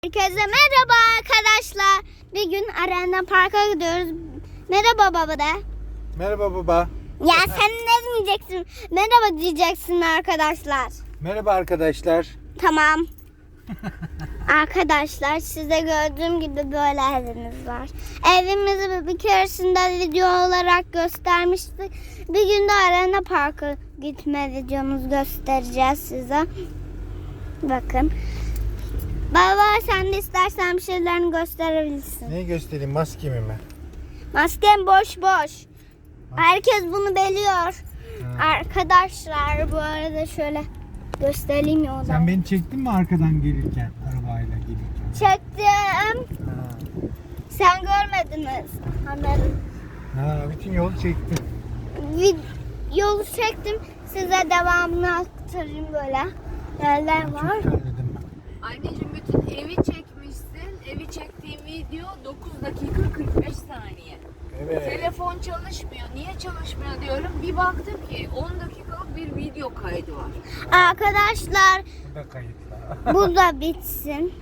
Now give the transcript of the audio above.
Herkese merhaba arkadaşlar. Bir gün Arena Park'a gidiyoruz. Merhaba baba de. Merhaba baba. Ya sen ne diyeceksin? Merhaba diyeceksin arkadaşlar. Merhaba arkadaşlar. Tamam. Arkadaşlar size gördüğüm gibi böyle evimiz var. Evimizi bir keresinde video olarak göstermiştik. Bir gün de Arena Park'a gitme videomuzu göstereceğiz size. Bakın. Baba sen de istersen bir şeylerini gösterebilirsin. Neyi göstereyim, maskemi mi? Masken boş boş. Herkes bunu biliyor. Arkadaşlar bu arada şöyle göstereyim yoldan. Sen beni çektin mi arkadan gelirken, arabayla gelirken? Çektim. Ha. Sen görmediniz. Anladım. Bütün yolu çektim. Yolu çektim. Size devamını aktarayım böyle. Yerler var. Çok terledim. Anneciğim bütün evi çekmişsin. Evi çektiğim video 9 dakika 45 saniye. Evet. Telefon çalışmıyor. Niye çalışmıyor diyorum. Bir baktım ki 10 dakikalık bir video kaydı var. Arkadaşlar Bu da kayıtlı. bu da bitsin.